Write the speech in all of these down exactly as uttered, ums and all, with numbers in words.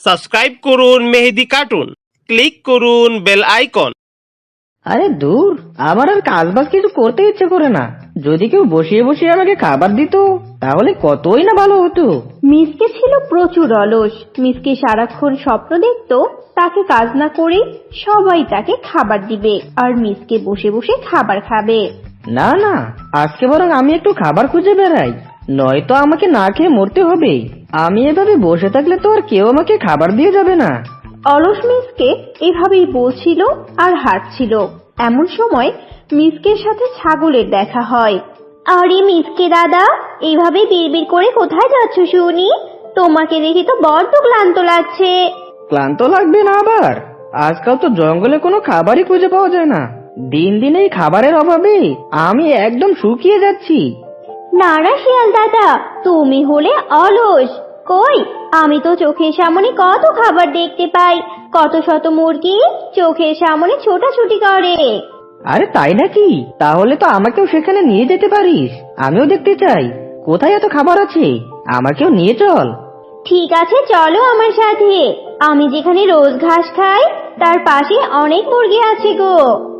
Subscribe করুন Mehedi cartoon, click করুন bell icon. আরে দূর, আমার আর কাজ বাজ কিছু করতে ইচ্ছে করে না। যদি কেউ বসিয়ে বসিয়ে আমাকে খাবার দিত তাহলে কতই না ভালো হতো। মিসকে ছিল প্রচুর অলস। মিসকে সারাক্ষণ স্বপ্ন দেখতো তাকে কাজ না করে সবাই তাকে খাবার দিবে আর মিসকে বসে বসে খাবার খাবে। না না, আজকে বরং আমি একটু খাবার খুঁজে বেড়াই, নয়তো আমাকে না খেয়ে মরতে হবে। আমি এভাবে বসে থাকলে তো আর কেউ আমাকে খাবার দিয়ে যাবে না। অলস মিসকে এভাবেই বলছিল আর হাঁটছিল। এমন সময় মিসকের সাথে ছাগলের দেখা হয়। আরে মিসকে দাদা, এইভাবে বিড়বিড় করে কোথায় যাচ্ছ শুনি? তোমাকে দেখে তো বড্ড ক্লান্ত লাগছে। ক্লান্ত লাগবে না আবার? আজকাল তো জঙ্গলে কোনো খাবারই খুঁজে পাওয়া যায় না। দিন দিন এই খাবারের অভাবে আমি একদম শুকিয়ে যাচ্ছি। না না শিয়াল দাদা, তুমি হলে অলস। কই, আমি তো চোখের সামনে কত খাবার দেখতে পাই। কত শত মুরগি চোখের সামনে ছোটাছুটি করে। আরে তাই নাকি? তাহলে তো আমাকেও সেখানে নিয়ে যেতে পারিস, আমিও দেখতে চাই কোথায় এত খাবার আছে। আমাকেও নিয়ে চল। ঠিক আছে, চলো আমার সাথে। আমি যেখানে রোজ ঘাস খাই তার পাশে অনেক মুরগি আছে গো।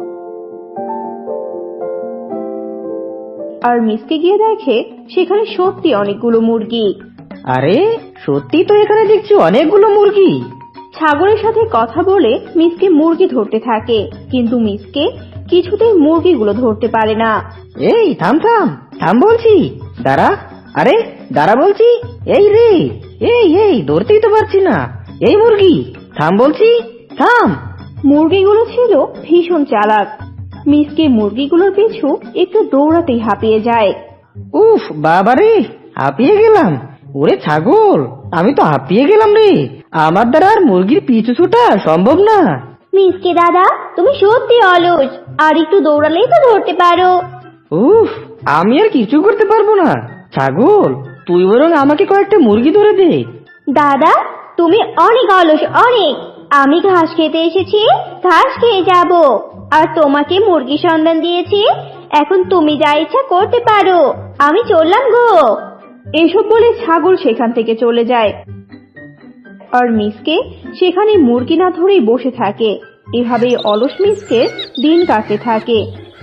আর মিসকে গিয়ে দেখে সেখানে সত্যি অনেকগুলো মুরগি। আরে সত্যি তো এখানে দেখছি অনেকগুলো মুরগি। ছাগলের সাথে কথা বলে মিসকে মুরগি ধরতে থাকে, কিন্তু মিসকে কিছুতেই মুরগিগুলো ধরতে পারে না। এই থাম থাম থাম বলছি, দাঁড়া। আরে দাঁড়া বলছি। এই রে, এই এই ধরতেই তো পারছি না। এই মুরগি থাম বলছি, থাম। মুরগিগুলো ছিল ভীষণ চালাক। মিসকে মুরগিগুলোর পিছু একটু দৌড়াতেই হাঁপিয়ে যায়। উফ বাবারে, হাঁপিয়ে গেলাম। ওরে ছাগল, আমি তো হাঁপিয়ে গেলাম রে। আমার দ্বারা আর মুরগির পিছু ছোটা সম্ভব না। মিসকে দাদা, তুমি সত্যি অলস। আর একটু দৌড়ালেই তো ধরতে পারো। উফ, আমি আর কিছু করতে পারবো না। ছাগল, তুই বরং আমাকে কয়েকটা মুরগি ধরে দে। দাদা, তুমি অনেক অলস, অনেক। আমি ঘাস খেতে এসেছি, ঘাস খেয়ে যাব। আর তোমাকে মুরগি সন্ধান দিয়েছি, এখন তুমি যা ইচ্ছা করতে পারো। আমি চললাম গো। এসব বলে ছাগল সেখান থেকে চলে যায়। আর মিসকে সেখানে মুরগি না ধরেই বসে থাকে। এভাবেই অলস মিসকে দিন কাটতে থাকে।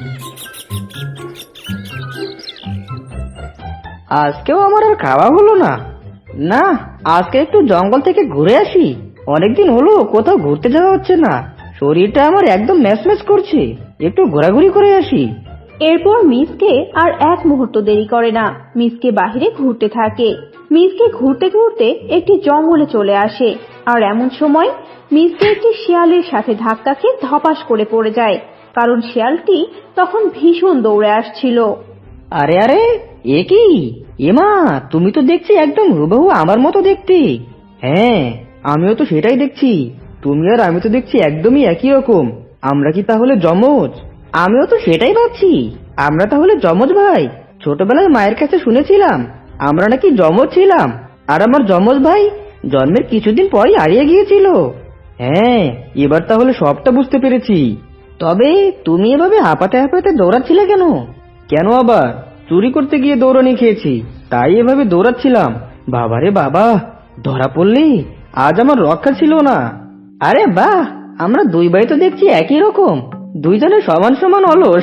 আজকেও আমার আর খাওয়া হলো না। না, আজকে একটু জঙ্গল থেকে ঘুরে আসি। অনেকদিন হলো কোথাও ঘুরতে যাওয়া হচ্ছে না। শরীরটা আমার একদম ম্যাচম্যাচ করছে। একটু ঘোরাঘুরি করে আসি। এরপর মিসকে আর এক মুহূর্ত দেরি করে না। মিসকে বাহিরে ঘুরতে থাকে। মিসকে ঘুরতে ঘুরতে একটি জঙ্গলে চলে আসে। আর এমন সময় মিসকে একটি শিয়ালের সাথে ধাক্কা খেয়ে ধপাস করে পড়ে যায়, কারণ শিয়ালটি তখন ভীষণ দৌড়ে আসছিল। আরে আরে, এ কি? এমা, তুমি তো দেখছি একদম হুবহু আমার মতো দেখতে। হ্যাঁ, আমিও তো সেটাই দেখছি। তুমি আর আমি তো দেখছি একদমই একই রকম। আমরা কি তাহলে যমজ? আমিও তো সেটাই ভাবছি। আমরা তাহলে যমজ ভাই। ছোটবেলায় মায়ের কাছে শুনেছিলাম আমরা নাকি যমজ ছিলাম, আর আমার যমজ ভাই জন্মের কিছুদিন পরই হারিয়ে গিয়েছিল। হ্যাঁ, এবার তাহলে সবটা বুঝতে পেরেছি। তবে তুমি এভাবে হাঁপাতে হাঁপাতে দৌড়াচ্ছিলে কেন? কেন আবার? চুরি করতে গিয়ে দৌড়ানি খেয়েছি, তাই এভাবে দৌড়াচ্ছিলাম। বাবারে বাবা, ধরা পড়লি, আজ আমার রক্ষা ছিল না। আরে বাহ, আমরা দুই ভাই তো দেখছি একই রকম। দুইজনে সমান সমান অলস।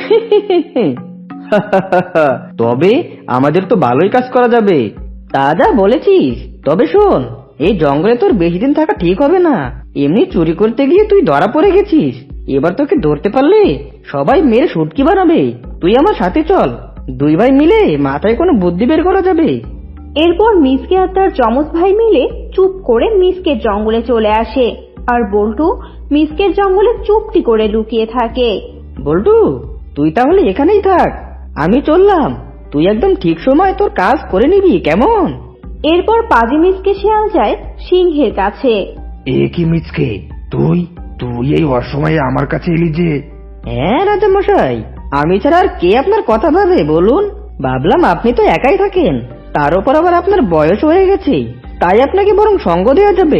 তবে আমাদের তো ভালোই কাজ করা যাবে। তা যা বলেছিস। তবে শোন, এই জঙ্গলে তোর বেশি দিন থাকা ঠিক হবে না। এমনি চুরি করতে গিয়ে তুই ধরা পড়ে গেছিস। এবার তোকে ধরতে পারলে সবাই মেরে শুটকি বানাবে। তুই আমার সাথে চল, দুই ভাই মিলে মাথায় কোনো বুদ্ধি বের করা যাবে। এরপর মিসকে আর তার যমজ ভাই মিলে চুপ করে মিসকের জঙ্গলে চলে আসে। আর বল্টু মিসকের জঙ্গলে চুপটি করে লুকিয়ে থাকে। বল্টু, তুই তাহলে এখানেই থাক, আমি চললাম। তুই একদম ঠিক সময় তোর কাজ করে নিবি, কেমন? এরপর পাজি মিসকে শিয়াল যায় সিংহের কাছে। এ কি মিচকে, তুই তুই এই অসময়ে আমার কাছে এলি যে? হ্যাঁ রাজা মশাই, আমি ছাড়া আর কে আপনার কথা ভাবে বলুন? ভাবলাম আপনি তো একাই থাকেন, তার উপর আবার আপনার বয়স হয়ে গেছে, তাই আপনাকে বরং সঙ্গ দেওয়া যাবে।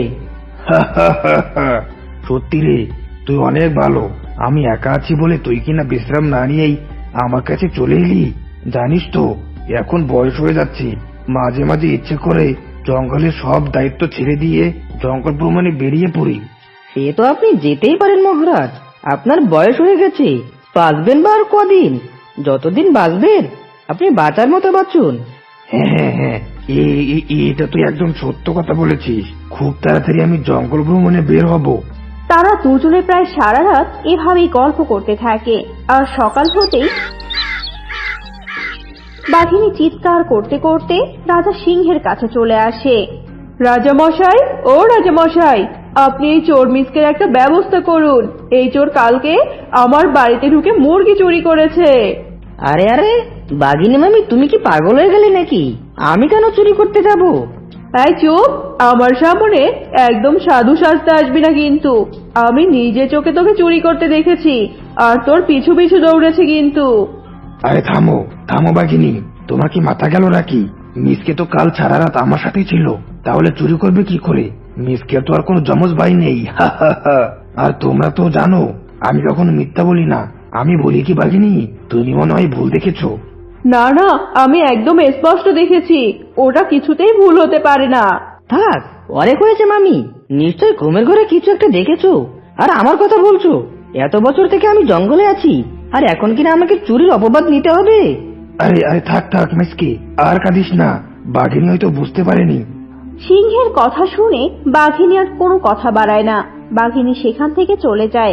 সত্যি রে, তুই অনেক ভালো। আমি একা আছি বলে তুই কিনা বিশ্রাম না নিয়েই আমার কাছে চলে এলি। জানিস তো এখন বয়স হয়ে যাচ্ছে, মাঝে মাঝে ইচ্ছে করে জঙ্গলের সব দায়িত্ব ছেড়ে দিয়ে জঙ্গল ভ্রমণে বেরিয়ে পড়ি। সে তো আপনি যেতেই পারেন মহারাজ, আপনার বয়স হয়ে গেছে, বাঁচবেন বা আর কদিন? যতদিন বাঁচবেন আপনি বাঁচার মতো বাঁচুন। হ্যাঁ হ্যাঁ হ্যাঁ এ- এ- এটা তুই একদম সত্য কথা বলেছিস। খুব তাড়াতাড়ি আমি জঙ্গল ভ্রমণে বের হব। তারা দুজনে প্রায় সারা রাত এভাবেই গল্প করতে থাকে। আর সকাল হতেই বাঘিনী চিৎকার করতে করতে রাজা সিংহের কাছে চলে আসে। রাজা মশাই, ও রাজা মশাই, আপনি এই চোর মিসকের একটা ব্যবস্থা করুন। এই চোর কালকে আমার বাড়িতে ঢুকে মুরগি চুরি করেছে। আরে আরে বাঘিনী মামি, তুমি কি পাগল হয়ে গেলে নাকি? আমি কেন চুরি করতে যাব? তাই চুপ, আমার সামনে একদম সাধু সাজতে আসবি না কিন্তু। আমি নিজে চোখে তোকে চুরি করতে দেখেছি, আর তোর পিছু পিছু দৌড়েছে কিন্তু। আরে থামো থামো বাঘিনী, তোমার কি মাথা গেল নাকি? মিসকে তো কাল সারা রাত আমার সাথেই ছিল, তাহলে চুরি করবে কি করে? মিসকে তো আর কোনো জমজ ভাই নেই। আর তোমরা তো জানো আমি কখনো মিথ্যা বলি না। আমি বলি কি বাঘিনী, তুমি মনে হয় ভুল দেখেছো। না না, আমি একদম স্পষ্ট দেখেছি, ওটা কিছুতেই ভুল হতে পারে না। থাক, অনেক হয়েছে মামি, নিশ্চয় ঘুমের ঘরে কিছু একটা দেখেছো আর আমার কথা বলছো। এত বছর থেকে আমি জঙ্গলে আছি, আর এখন কিনা আমাকে চুরির অপবাদ নিতে হবে? আরে আরে থাক থাক মিসকে, আর কাঁদিস না, বাঘিনী হয়তো বুঝতে পারেনি। সিংহের কথা শুনে বাঘিনী আর কোনো কথা বাড়ায় না। বাঘিনী সেখান থেকে চলে যায়।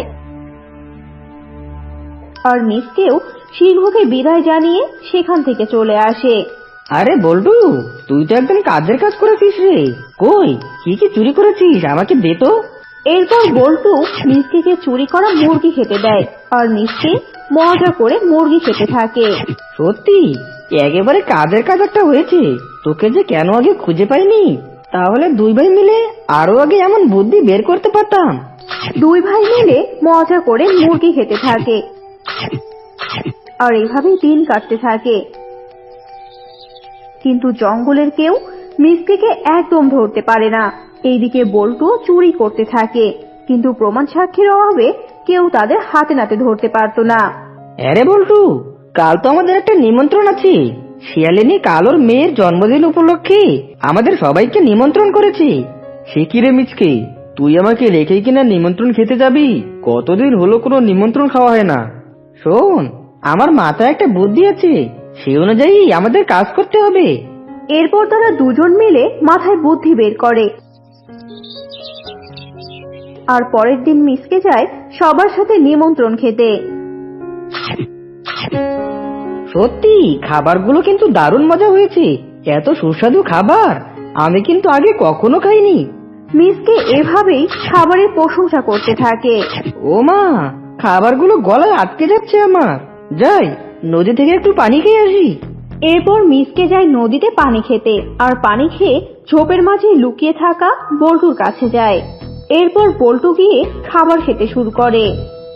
আর মিসকেও সিংহকে বিদায় জানিয়ে সেখান থেকে চলে আসে। আরে বল্টু, তুই তো একদম কাজের কাজ করেছিস রে। কই, কি কি চুরি করেছিস আমাকে দে তো। এরপর বল্টু মিসকেকে চুরি করা মুরগি খেতে দেয়, আর মিসকে মজা করে মুরগি খেতে থাকে। সত্যি একেবারে কাজের কাজ একটা হয়েছে। তোকে যে কেন আগে খুঁজে পাইনি, তাহলে দুই ভাই মিলে আরো আগে এমন বুদ্ধি বের করতে পারতাম। দুই ভাই মিলে মজা করে মুরগি খেতে থাকে, আর এভাবেই দিন কাটতে থাকে। কিন্তু জঙ্গলের কেউ মিসকেকে একদম ধরতে পারে না। এইদিকে বল্টু চুরি করতে থাকে, কিন্তু প্রমাণ সাক্ষীর অভাবে কেউ তাদের হাতে নাতে ধরতে পারতো না। আরে বল্টু, কাল তো আমাদের একটা নিমন্ত্রণ আছে। শিয়ালিনী কাল ওর মেয়ের জন্মদিন উপলক্ষে আমাদের সবাইকে নিমন্ত্রণ করেছে। সে কি রে মিচকে, তুই আমাকে রেখে কিনা নিমন্ত্রণ খেতে যাবি? কতদিন হলো কোনো নিমন্ত্রণ খাওয়া হয় না। শোন, আমার মাথায় একটা বুদ্ধি আছে, সে অনুযায়ী আমাদের কাজ করতে হবে। এরপর তারা দুজন মিলে মাথায় বুদ্ধি বের করে। আর পরের দিন মিসকে যায় সবার সাথে নিমন্ত্রণ খেতে। সত্যি খাবারগুলো কিন্তু দারুণ মজা হয়েছে। এত সুস্বাদু খাবার আমি কিন্তু আগে কখনো খাইনি। মিসকে এভাবেই খাবারের প্রশংসা করতে থাকে। ও মা, খাবারগুলো গলায় আটকে যাচ্ছে আমার। যাই নদী থেকে একটু পানি খেয়ে আসি। এরপর মিসকে যায় নদীতে পানি খেতে, আর পানি খেয়ে ঝোপের মাঝে লুকিয়ে থাকা বল্টুর কাছে যায়। এরপর বল্টু গিয়ে খাবার খেতে শুরু করে।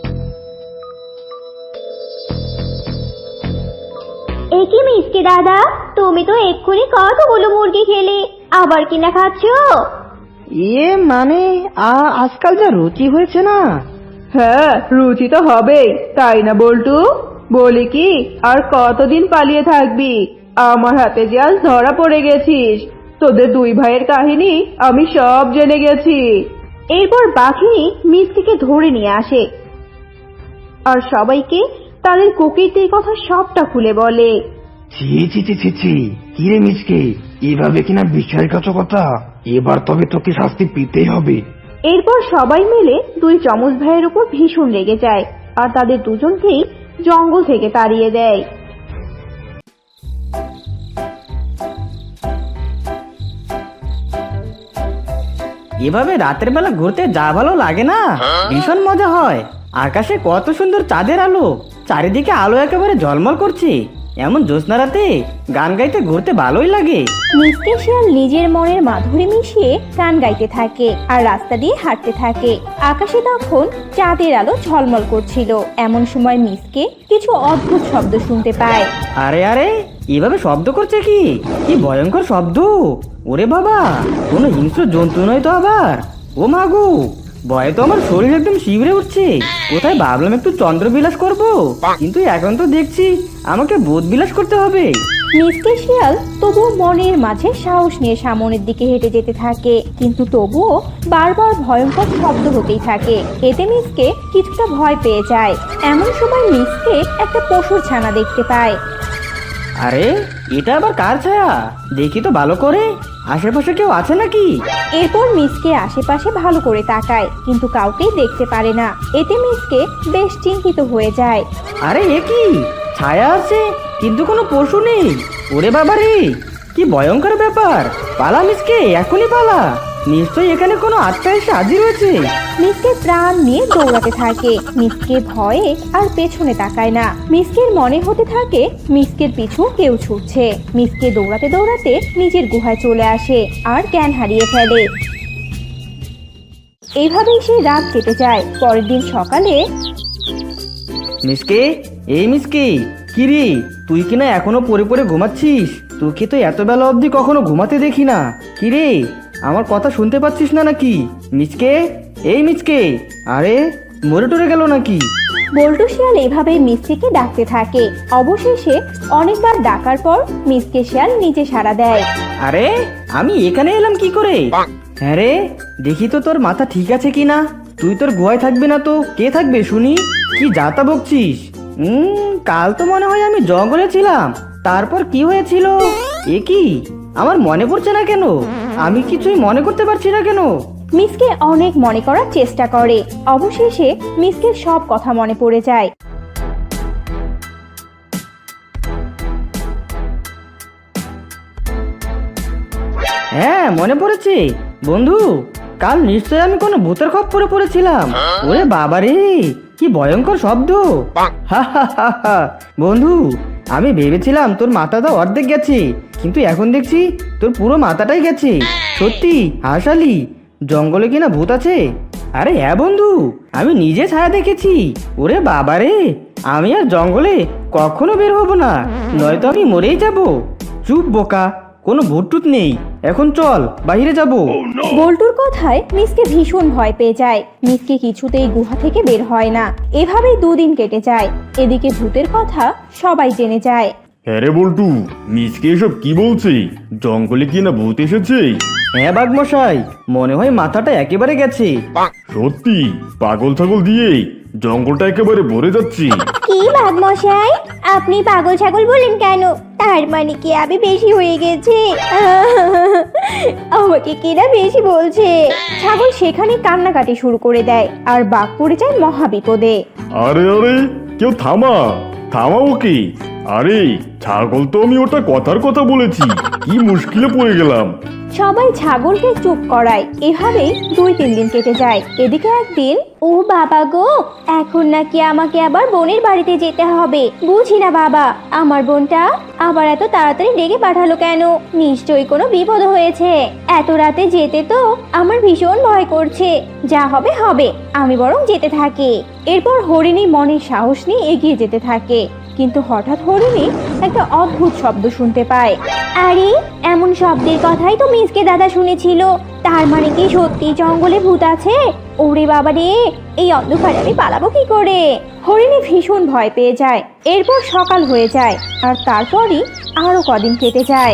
একই মিসকে দাদা, তুমি তো এক্ষুনি কতগুলো মুরগি খেলে, আবার কিনা খাচ্ছো? ইয়ে মানে আ- আজকাল যা রুচি হয়েছে না। হ্যাঁ, রুচি তো হবেই, তাই না বল্টু? বলি কি, আর কতদিন পালিয়ে থাকবি? আমার হাতে যে আজ ধরা পড়ে গেছিস। তোদের দুই ভাইয়ের কাহিনী আমি সব জেনে গেছি। এরপর বাঘিনী মিসকে ধরে নিয়ে আসে, আর সবাইকে তাদের কুকীর্তির কথা সবটা খুলে বলে। ছি ছি ছি ছি ছি, কি রে মিসকে, এভাবে কিনা বিশ্বাসঘাতকতা? এবার তবে তোকে শাস্তি পেতেই হবে। এরপর সবাই মিলে দুই যমজ ভাইয়ের উপর ভীষণ রেগে যায়, আর তাদের দুজনকেই জঙ্গল থেকে তাড়িয়ে দেয়। এভাবে রাতের বেলা ঘুরতে যা ভালো লাগে না, ভীষণ মজা হয়। আকাশে কত সুন্দর চাঁদের আলো, চারিদিকে আলো একেবারে ঝলমল করছে। এমন জ্যোৎস্না রাতে গান গাইতে ঘুরতে ভালোই লাগে। মিসকে শিয়াল নিজের মনের মাধুরী মিশিয়ে গান গাইতে থাকে আর রাস্তা দিয়ে হাঁটতে থাকে। আকাশে তখন চাঁদের আলো ঝলমল করছিল। এমন সময় মিসকে কিছু অদ্ভুত শব্দ শুনতে পায়। আরে আরে, এভাবে শব্দ করছে কি? কি ভয়ঙ্কর শব্দ! ওরে বাবা, কোনো হিংস্র জন্তু নয় তো আবার? ও মাগো, ভয়ে তো আমার শরীর একদম শিউরে উঠছে। কোথায় ভাবলাম একটু চন্দ্র বিলাস করবো, কিন্তু এখন তো দেখছি আমাকে বোধ বিলাস করতে হবে। মিসকে শিয়াল তবুও মনের মাঝে সাহস নিয়ে সামনের দিকে হেঁটে যেতে থাকে, কিন্তু তবুও বারবার ভয়ঙ্কর শব্দ হতেই থাকে। এতে মিসকে কিছুটা ভয় পেয়ে যায়। এমন সময় মিসকে একটা পশুর ছানা দেখতে পায়। আরে এটা আবার কার ছায়া? দেখি তো ভালো করে, আশেপাশে কেউ আছে নাকি? এরপর মিসকে আশেপাশে ভালো করে তাকায়, কিন্তু কাউকেই দেখতে পারে না। এতে মিসকে বেশ চিন্তিত হয়ে যায়। আরে এ কি, ছায়া আছে কিন্তু কোনো পশু নেই। ওরে বাবা রে, কি ভয়ঙ্কর ব্যাপার! পালা মিসকে, এখনই পালা। নিশ্চয়ই এখানে কোনো আত্মা এসে হাজির হয়েছে। মিসকে প্রাণ নিয়ে দৌড়াতে থাকে। মিসকে ভয়ে আর পেছনে তাকায় না। মিসকের মনে হতে থাকে মিসকের পিছু কেউ ছুটছে। মিসকে দৌড়াতে দৌড়াতে নিজের গুহায় চলে আসে আর জ্ঞান হারিয়ে ফেলে। এইভাবেই সেই রাত কেটে যায়। পরের দিন সকালে মিসকে, এই মিসকে, কি রে তুই কিনা এখনো পড়ে পড়ে ঘুমাচ্ছিস? তোকে তো এত বেলা অবধি কখনো ঘুমাতে দেখি না। কি রে, আমার কথা শুনতে পাচ্ছিস না নাকি? মিসকে, এই মিসকে, আরে মরে টরে গেল নাকি? বল্টু শিয়াল এভাবেই মিসকে ডাকতে থাকে। অবশেষে অনেকবার ডাকার পর মিসকে শিয়াল নিজে সাড়া দেয়। আরে আমি এখানে এলাম কি করে? হ্যাঁ রে, দেখি তো তোর মাথা ঠিক আছে কিনা। তুই তোর গুহায় থাকবি না তো কে থাকবে শুনি? কি যাতা বকছিস? হুম কাল তো মনে হয় আমি জঙ্গলে ছিলাম। তারপর কি হয়েছিল? এ কি, আমার মনে পড়ছে না কেন? আমি কিছুই মনে করতে পারছি না কেন? মিসকে অনেক মনে করার চেষ্টা করে। অবশেষে মিসকের সব কথা মনে পড়ে যায়। হ্যাঁ মনে পড়েছে বন্ধু, কাল নিশ্চয় আমি কোনো ভূতের খপ্পরে পড়েছিলাম। ওরে বাবারে, কি ভয়ঙ্কর শব্দ! হা হা হা হা। বন্ধু, আমি ভেবেছিলাম তোর মাথাটা অর্ধেক গেছে, কিন্তু এখন দেখছি তোর পুরো মাথাটাই গেছে। সত্যি হাসালি, জঙ্গলে কিনা ভূত আছে? আরে হ্যাঁ বন্ধু, আমি নিজে ছায়া দেখেছি। ওরে বাবারে, আমি আর জঙ্গলে কখনো বের হব না, নয়তো আমি মরেই যাব। চুপ বোকা, কোনো ভূত টুত নেই। এখন চল বাইরে যাব। বল্টুর কথায় মিসকে ভীষণ ভয় পেয়ে যায়। মিসকে কিছুতেই গুহা থেকে বের হয় না। এভাবেই দুদিন কেটে যায়। এদিকে ভূতের কথা সবাই জেনে যায়। হ্যাঁ রে বল্টু, মিচকে এসব কি বলছে? জঙ্গলে কি না ভূত এসেছে? হ্যাঁ বাঘমশাই, মনে হয় মাথাটা একেবারে গেছে। সত্যি পাগল ছাগল দিয়ে জঙ্গলটা একেবারে ভরে যাচ্ছে। কি বাঘমশাই, আপনি পাগল ছাগল বলেন কেন? তার মানে কি আমি বেশি হয়ে গেছে? আমাকে কিনা বেশি বলছে। ছাগল সেখানে কান্নাকাটি শুরু করে দেয় আর বাঘ পড়ে যায় মহা বিপদে। আরে আরে, কেউ থামা, থামা ওকে। আরে ছাগল তো আমি ওটা কথার কথা বলেছি, কি মুশকিলে পড়ে গেলাম। সবাই ছাগলকে চুপ করায়। এভাবেই দুই তিন দিন কেটে যায়। এদিকে একদিন, ও বাবা গো, এখন নাকি আমাকে আবার বোনের বাড়িতে যেতে হবে। বুঝি না বাবা, আমার বোনটা আবার এত তাড়াতাড়ি ডেকে পাঠালো কেন? নিশ্চয়ই কোনো বিপদ হয়েছে। এত রাতে যেতে তো আমার ভীষণ ভয় করছে। যা হবে হবে, আমি বরং যেতে থাকি। এরপর হরিণী মনের সাহস নিয়ে এগিয়ে যেতে থাকে, কিন্তু হঠাৎ হরিণী একটা অদ্ভুত শব্দ শুনতে পায়। আরে এমন শব্দের কথাই তো মিসকে দাদা শুনেছিল। তার মানে কি সত্যি জঙ্গলে ভূত আছে? ওরে বাবা রে, এই অন্ধকারে আমি পালাবো কি করে? হরিণী ভীষণ ভয় পেয়ে যায়। এরপর সকাল হয়ে যায় আর তারপরই আরো কদিন কেটে যায়।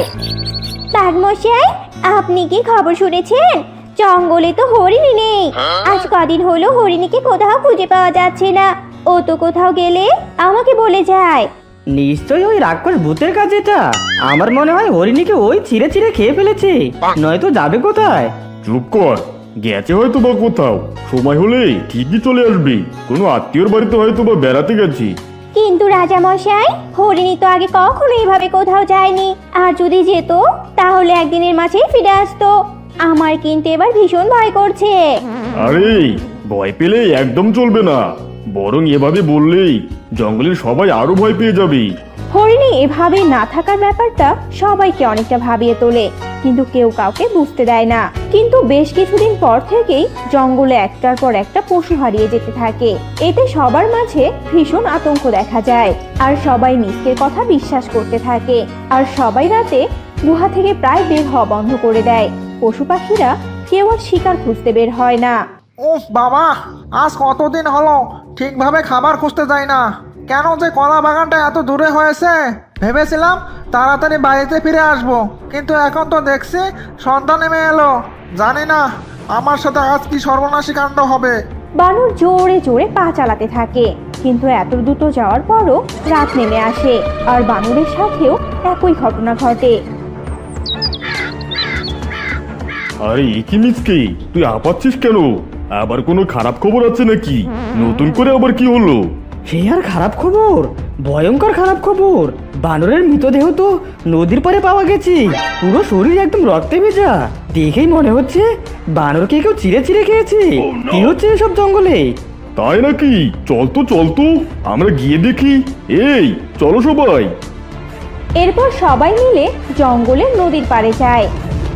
বাঘমশাই, আপনি কি খবর শুনেছেন? জঙ্গলে তো হরিণী নেই। আজ কদিন হলো হরিণীকে কোথাও খুঁজে পাওয়া যাচ্ছে না। ও তো কোথাও গেলে আমাকে বলে যায়। নিশ্চয়ই ওই রাক্ষস ভূতের কাজ এটা। আমার মনে হয় হরিণীকে ওই ছিঁড়ে ছিঁড়ে খেয়ে ফেলেছে, নয়তো যাবে কোথায়? চুপ কর, গেছে হয়তো বা কোথাও। সময় হলে ঠিকই চলে আসবে। কোনো আত্মীয়র বাড়িতে হয়তো বা বেড়াতে গেছি। কিন্তু রাজা মশাই, হরিণী তো আগে কখনো এইভাবে কোথাও যায়নি। আর যদি যেত তাহলে একদিনের মাঝেই ফিরে আসতো। আমার কিন্তু এবার ভীষণ ভয় করছে। আরে ভয় পেলে একদম চলবে না, বরং এভাবে বললেই জঙ্গলের সবাই আরো ভয় পেয়ে যাবে। হরিণী এভাবে না থাকার ব্যাপারটা সবাইকে অনেকটা ভাবিয়ে তোলে, কিন্তু কেউ কাউকে বুঝতে দেয় না। কিন্তু বেশ কিছুদিন পর থেকেই জঙ্গলে একটার পর একটা পশু হারিয়ে যেতে থাকে। এতে সবার মাঝে ভীষণ আতঙ্ক দেখা যায় আর সবাই মিসকের কথা বিশ্বাস করতে থাকে। আর সবাই রাতে গুহা থেকে প্রায় বের হওয়া বন্ধ করে দেয়। পশু পাখিরা কেউ আর শিকার খুঁজতে বের হয় না। উফ বাবা, আজ কতদিন হলো ঠিকভাবে খাবার খুঁজতে যাই না। কেন যে কলা বাগানটা এত দূরে হয়েছে? ভেবেছিলাম তাড়াতাড়ি বাড়িতে ফিরে আসব, কিন্তু এখন তো দেখছি সন্ধ্যা নেমে এলো। জানি না আমার সাথে আজ কি সর্বনাশী কাণ্ড হবে। বানর জোরে জোরে পা চালাতে থাকে, কিন্তু এত দ্রুত যাওয়ার পরও রাত নেমে আসে আর বানরের সাথেও একই ঘটনা ঘটে। আরে একই মিসকে, তুই হাঁপাচ্ছিস কেন? আবার কোনো খারাপ খবর আছে নাকি? নতুন করে আবার কি হলো? সে আর খারাপ খবর, ভয়ঙ্কর খারাপ খবর। বানরের মৃতদেহ তো নদীর পাড়ে পাওয়া গেছে, পুরো শরীর একদম রক্তে ভেজা। দেখেই মনে হচ্ছে বানরকে কেউ চিড়ে চিড়ে খেয়েছে। কি হচ্ছে এসব জঙ্গলে? তাই নাকি? চল তো চল তো, আমরা গিয়ে দেখি। এই চলো সবাই। এরপর সবাই মিলে জঙ্গলের নদীর পাড়ে যায়।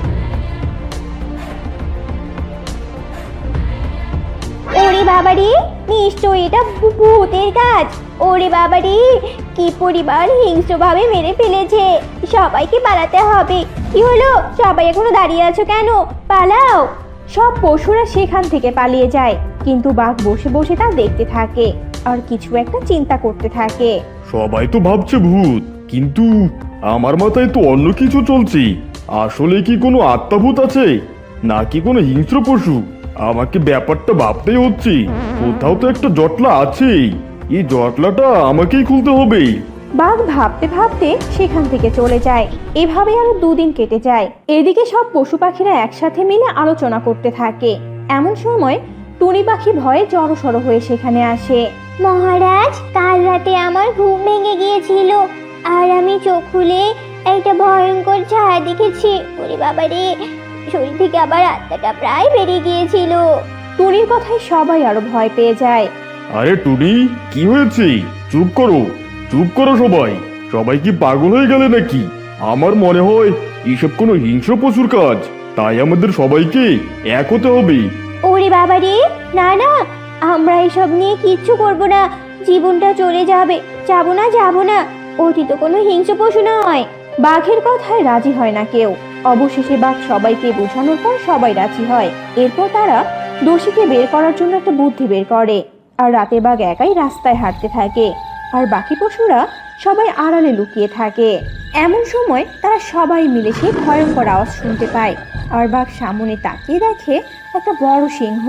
ওরে বাবারে, নিশ্চয়ই এটা ভূ- ভূতের কাজ। ওরে বাবারে, কি পরিবার হিংস্রভাবে মেরে ফেলেছে। সবাইকে পালাতে হবে। কি হলো, সবাই এখনো দাঁড়িয়ে আছো কেন? পালাও। সব পশুরা সেখান থেকে পালিয়ে যায়, কিন্তু বাঘ বসে বসে তা দেখতে থাকে আর কিছু একটা চিন্তা করতে থাকে। সবাই তো ভাবছে ভূত, কিন্তু আমার মাথায় তো অন্য কিছু চলছে। আসলে কি কোনো আত্মাভূত আছে, নাকি কোনো হিংস্র পশু? আমাকে ব্যাপারটা ভাবতেই হচ্ছে। কোথাও তো একটা জটলা আছে, এই জটলাটা আমাকেই খুলতে হবে। বাঘ ভাবতে ভাবতে সেখান থেকে চলে যায়। এভাবে আরো দুদিন কেটে যায়। এদিকে সব পশু পাখিরা একসাথে মিলে আলোচনা করতে থাকে। এমন সময় টুনি পাখি ভয়ে জড়সড় হয়ে সেখানে আসে। মহারাজ, কাল রাতে আমার ঘুম ভেঙে গিয়েছিল আর আমি চোখ খুলে একটা ভয়ঙ্কর ছায়া দেখেছি। ওরে বাবা রে, শরীর থেকে আবার আত্মাটা প্রায় বেরিয়ে গিয়েছিল। টুনির কথায় সবাই আরো ভয় পেয়ে যায়। আরে টুনি, কি হয়েছে? চুপ করো, চুপ করো সবাই। সবাই কি পাগল হয়ে গেলে নাকি? আমার মনে হয় এসব কোনো হিংস্র পশুর কাজ, তাই আমাদের সবাইকে এক হতে হবে। ওরে বাবা রে, না না, আমরা এসব নিয়ে কিচ্ছু করব না। জীবনটা চলে যাবে। যাবো না, যাবো না। ওটি তো কোনো হিংস্র পশু নয়। বাঘের কথায় রাজি হয় না কেউ। অবশেষে বাঘ সবাইকে বোঝানোর পর সবাই রাজি হয়। এরপর তারা দোষীকে বের করার জন্য একটা বুদ্ধি বের করে। আর রাতে বাঘ একাই রাস্তায় হাঁটতে থাকে, আর বাকি পশুরা সবাই আড়ালে লুকিয়ে থাকে। এমন সময় তারা সবাই মিলে সেই ভয়ঙ্কর আওয়াজ শুনতে পায়। আর বাঘ সামনে তাকিয়ে দেখে একটা বড় সিংহ।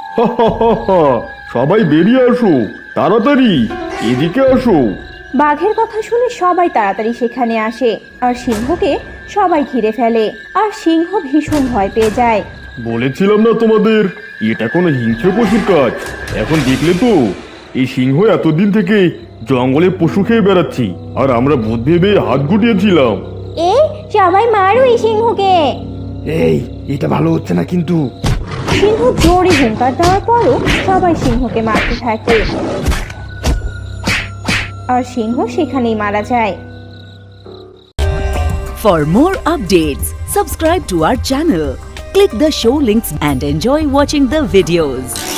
সবাই বেরিয়ে আসো, তাড়াতাড়ি এদিকে আসো। বাঘের কথা শুনে সবাই তাড়াতাড়ি সেখানে আসে আর সিংহকে সবাই ঘিরে ফেলে। আর সিংহ ভীষণ ভয় পেয়ে যায়। বলেছিলাম না তোমাদের, এটা কোনো হিংস্র পশুর কাজ। এখন দেখলে তো, এই সিংহ এতদিন থেকে জঙ্গলে পশু খেয়ে বেড়াচ্ছি, আর আমরা ভূত ভেবে হাত গুটিয়েছিলাম। এ, সবাই মারো এই সিংহকে। এই, এটা ভালো হচ্ছে না কিন্তু। সিংহ জোরে হুঙ্কার দেওয়ার পরও সবাই সিংহকে মারতে থাকে, আর সিংহ সেখানেই মারা যায়। For more updates, subscribe to our channel, click the show links and enjoy watching the videos.